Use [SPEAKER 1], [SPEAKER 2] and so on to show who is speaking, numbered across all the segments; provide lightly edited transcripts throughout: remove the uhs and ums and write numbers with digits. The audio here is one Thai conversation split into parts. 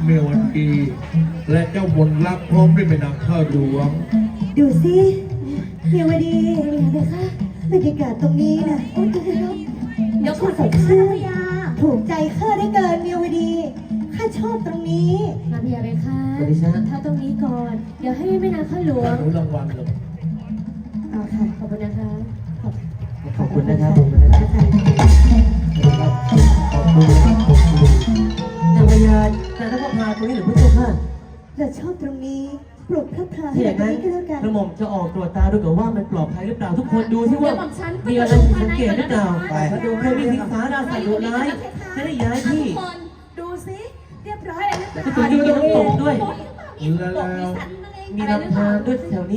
[SPEAKER 1] เมวันดีและเจ้ามนรักพร้อมด้วยแม่นางข้าหลวง
[SPEAKER 2] ดูสิเมียวดีเลยค่ะบรรยากาศตรงนี้นะโอ้ยเดี๋ยวข้าสดชื่นถูกใจข้าได้เกินเมียวดีข้าชอบตรงนี้
[SPEAKER 3] มาเพียเลยค่ะถ้าตรงนี้ก่อนเดี๋ยวให้แม่นางข้าหลวง
[SPEAKER 1] รางวัลเลย
[SPEAKER 2] เอาค่ะ
[SPEAKER 3] ขอบคุณนะคะ
[SPEAKER 4] ขอบคุณนะครับขอบคุณนะครับขอบคุณครับขอบคุณนางพญาแต่ถ้าพาตรงนี้หรือพระเจ้าค่ะ
[SPEAKER 2] เราชอบตรงนี้ปลุกพระพลา
[SPEAKER 4] ให้แบบนี้ก็แล้วกันกระหม่อมจะออกตรวจตาดูก่อนว่ามันปลอดภัยหรือเปล่าทุกคนดูที่ว่ามีอะไรสังเกตหรือเปล่าไปดูเพื่อมีสิงสาราสัตว์ดุร้ายจะได้ย้ายที่
[SPEAKER 3] ดูสิเรียบร้อยเลยนะ
[SPEAKER 4] ตัวนี้มีน้ำตกด้วยมีลำธารด้วยแถวนี้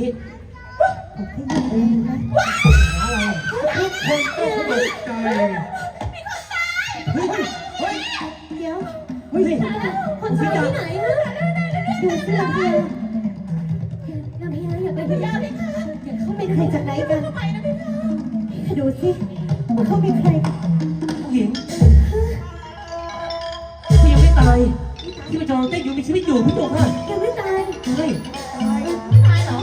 [SPEAKER 1] ทุกคนต้องตกใจ
[SPEAKER 2] เดี๋ยว
[SPEAKER 3] คนตายที่ไหนนะ
[SPEAKER 2] ดูสิลำเพียง
[SPEAKER 3] น้ำพญาอย่าไปพญาเลยค่ะ
[SPEAKER 2] เขาเป็นใครจากไหนกันดูสิว่าเขาเป็นใคร
[SPEAKER 4] ผู้หญิงที่ยังไม่ตายที่มาจองเต้นอยู่มีชีวิตอยู่พี่โตค่ะ
[SPEAKER 3] ยังไม่ตาย
[SPEAKER 4] ใช่
[SPEAKER 3] ไม่ตายเหรอ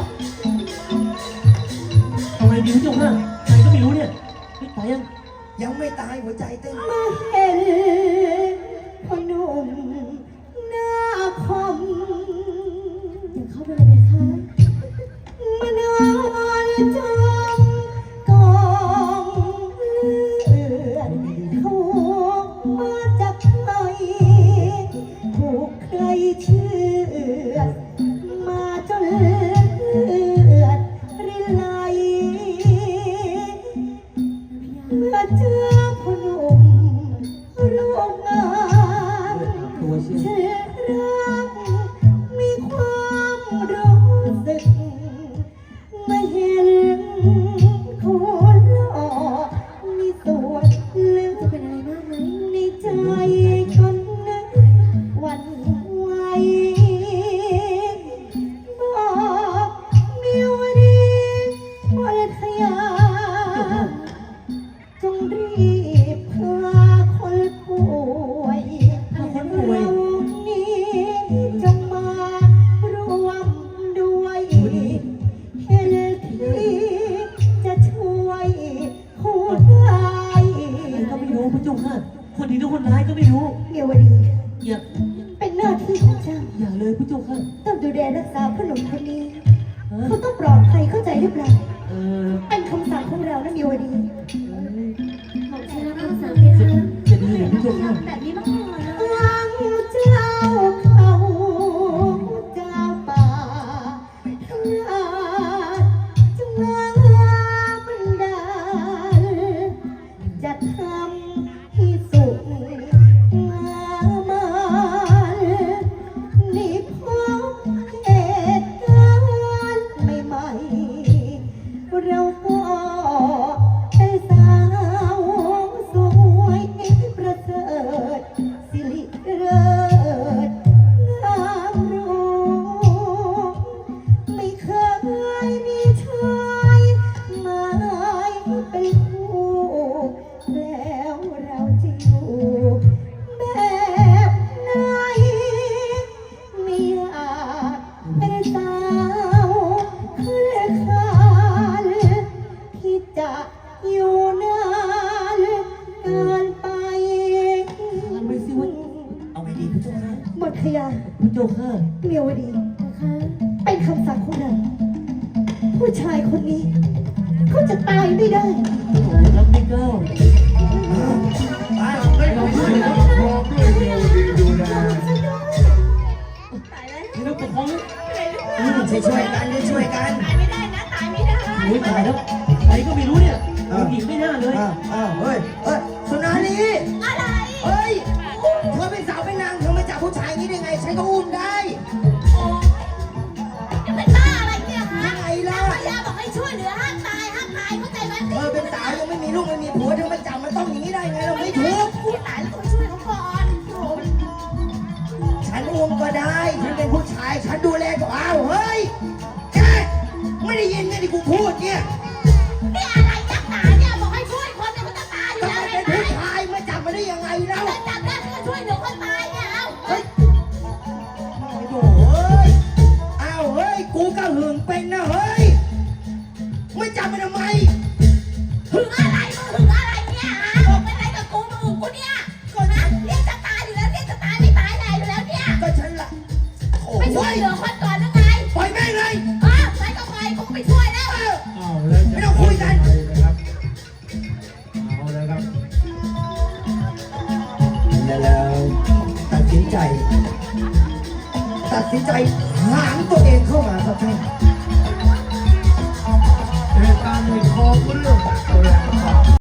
[SPEAKER 4] ทำไมดีพี่โตค่ะใครก็ไม่รู้เนี่ยไม่ตาย
[SPEAKER 5] ยังไม่ตายหัวใจเต้น
[SPEAKER 2] มาเห็นพ่อหนุ่มหน้าคม
[SPEAKER 3] ยังเข้าไปเลยไหมคะ
[SPEAKER 2] มานอนจมกองเลือดถูกมาจากใครถูกใครเชื่อมาจนเลือดรินไหลเมื่อเจอพ่อหนุ่มรูปงามเชื่อรักมีความรู้สึกไม่เห็นคนหล่อมีส่วนลึก
[SPEAKER 3] จะเป็นอะไรมากไหม
[SPEAKER 2] ในใจคนนึกวันไหวบอกเมียวดีวัทยาจงรีบพาคนป่วยเรานี้จงมารวมด้วยเห็นที่จะช่วยผู้ร้าย
[SPEAKER 4] ก็ไม่รู้พี่โตค่ะคนดีหรือคนร้ายก็ไม่รู้
[SPEAKER 2] เมียวดี
[SPEAKER 4] อย่า
[SPEAKER 2] เป็นหน้าที่ของเจ้า
[SPEAKER 4] อย่าเลยพี่โตค่ะ
[SPEAKER 2] ต้องดูแลรักษาขนมคนนี้เขาต้องปลอดภัยเข้าใจหรือเปล่าเป็นคำสั่งของเรานะเมียวดี
[SPEAKER 3] ของฉันนะคำสั่งเลยค่ะ
[SPEAKER 4] จะดีหรือพี่โตค่ะ
[SPEAKER 3] แบบนี้มากเลย
[SPEAKER 2] หลังเจ้าเขาเจ้าป่าจะมาบันดาลจะทำให้สุขงามนี่พบเหตุการณ์ใหม่ๆเราก็เป็นสาวสวยประเสริฐสิริเลิศงามรู้ไม่เคยมีชายมาเป็นคู่แล้วเราจะอยู่แบบไหนไม่อยากเป็นสาวขึ้นคานที่จะอยู่นานเกินไป
[SPEAKER 4] ไม่สิวะเอาไงดีพี่โตค่ะ
[SPEAKER 2] หมดขยะ
[SPEAKER 4] พี่โตค่ะ
[SPEAKER 2] เมียวดีนะคะเป็นคำสั่งของเราผู้ชายคนนี้เขาจะตายไม่ได้
[SPEAKER 4] รับไม่เก้า
[SPEAKER 1] ให้เราช่วยกันพร้อมด้วยเมวดีดูแล
[SPEAKER 4] ที่เราปกครอง
[SPEAKER 5] ช่วยกันช่วยกัน
[SPEAKER 3] ตายไม่ได้นะตายไม่ได้
[SPEAKER 4] โอ้ยตายแล้วใครก็ไม่รู้เนี่ยหญิงไม่น่าเลย
[SPEAKER 5] เฮ้ยสุนารี
[SPEAKER 3] อะไร
[SPEAKER 5] เฮ้ยเธอเป็นสาวเป็นนางเธอมาจับผู้ชายนี้ได้ไงฉันก็อุ้มได้
[SPEAKER 3] จะเป็นบ้าอะไรเนี่ยฮะ
[SPEAKER 5] ไงล่ะ
[SPEAKER 3] พญาบอกให้ช่วยเหลือห้ามตายเข้าใจไหม
[SPEAKER 5] เธอเป็นสาวยังไม่มีลูกไม่มีผัวเธอมาจับมันต้องอย่างนี้ได้ไงเราไม่ถูก
[SPEAKER 3] ตายแล้วต้องช่วยเขาก่อน
[SPEAKER 5] ฉันอุ้มก็ได้ฉันเป็นผู้ชายฉันดูแลก็เอาเฮ้ยแกไม่ได้ยินไงที่กูพูดเนี่ย
[SPEAKER 3] นี่อะไรนักหนาเนี่ยบอกให้ช่วยคนเนี่ยมันจะตายอยู่แล้ว
[SPEAKER 5] เป็นผู้ชายมาจับมาได้ยังไงแล้ว
[SPEAKER 3] จับได้ก็ช่วยเหลือคนตายเนี่ยเอา
[SPEAKER 6] อะไรมึงถึงอะไรเนี่ยบอกเป็นอะไรกับกูมึงกูเนี่ยก่อนนะเรียกจะตายอยู่แล้วเรียกจะตายไม่ตายไหนอยู่แล้วเนี่ย
[SPEAKER 5] ก็ฉันละโอ้
[SPEAKER 6] ไม่ช่วย
[SPEAKER 5] ย
[SPEAKER 6] เหลือคนก่อนหรือไง
[SPEAKER 5] ปล่อยแม่งเลย
[SPEAKER 6] ไปก็ไปกูไม่ช่วยแล้ว
[SPEAKER 1] อ้าวแล้วจะ
[SPEAKER 5] ไม่ต้องคุยกัน
[SPEAKER 1] นะครับเอาเลยครับ
[SPEAKER 5] แล้วตัดสินใจหางตัวเองเข้ามาครับท่าน
[SPEAKER 1] เหตุการณ์ในคอก็เรื่องเอาแรงไป